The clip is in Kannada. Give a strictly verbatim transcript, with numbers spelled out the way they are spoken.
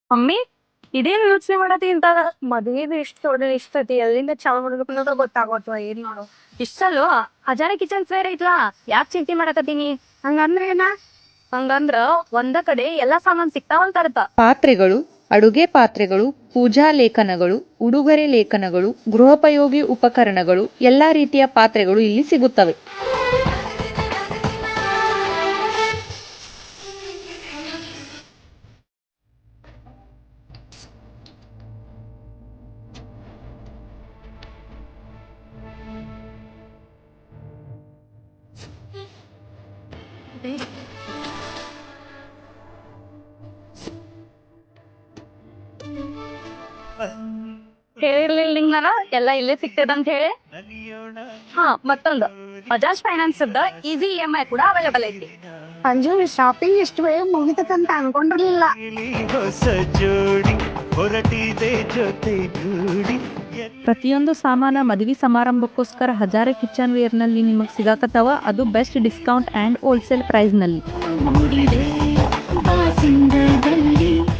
ಮಮ್ಮಿ ಇದೇನು ಯೋಚನೆ ಮಾಡತಿ ಅಂತ ಮದ್ವೆದು ಇಷ್ಟ ದೊಡ್ಡ ಇಷ್ಟತಿ ಎಲ್ಲಿಂದ ಚಾಲು ಮಾಡ್ಬೇಕು ಅನ್ನೋದು ಗೊತ್ತಾಗೋತ್ವ ಏನ್ ಮಾಡು ಇಷ್ಟಲ್ಲೋ ಹಜಾರ ಕಿಚನ್ ಫೇರ್ ಐತ್ಲಾ ಯಾಕೆ ಚಿಂತೆ ಮಾಡಕತ್ತೀನಿ ಹಂಗಂದ್ರ ಏನ ಹಂಗಂದ್ರ ಒಂದ ಕಡೆ ಎಲ್ಲಾ ಸಾಮಾನ್ ಸಿಕ್ತಾವಂತ ಅರ್ಥ. ಪಾತ್ರೆಗಳು, ಅಡುಗೆ ಪಾತ್ರೆಗಳು, ಪೂಜಾ ಲೇಖನಗಳು, ಉಡುಗೊರೆ ಲೇಖನಗಳು, ಗೃಹೋಪಯೋಗಿ ಉಪಕರಣಗಳು, ಎಲ್ಲಾ ರೀತಿಯ ಪಾತ್ರೆಗಳು ಇಲ್ಲಿ ಸಿಗುತ್ತವೆ. ಹೇಳಿರ್ಲಿಲ್ಲ ನಿಂಗ್ ನಾನು ಎಲ್ಲ ಇಲ್ಲೇ ಸಿಗ್ತದ ಅಂತ ಹೇಳಿ. ಹಾ ಮತ್ತೊಂದು Bajaj finance easy E M I ಕೂಡ ಅವೈಲೇಬಲ್ ಐತಿ. ಅಂಜು ಶಾಪಿಂಗ್ ಇಷ್ಟು ಬೇಗ ಮುಗಿತಂತ ಅನ್ಕೊಂಡಿರ್ಲಿಲ್ಲ. ಹೊಸ ಜೋಡಿ ಹೊರಟಿದೆ ಜೊತೆಗೂಡಿ. ಪ್ರತಿಯೊಂದು ಸಾಮಾನ ಮದುವೆ ಸಮಾರಂಭಕ್ಕೋಸ್ಕರ ಹಜಾರೆ ಕಿಚನ್ ವೇರ್ ನಲ್ಲಿ ನಿಮಗೆ ಸಿಗಾಕತ್ತಾವ, ಅದು best discount and wholesale price ನಲ್ಲಿ.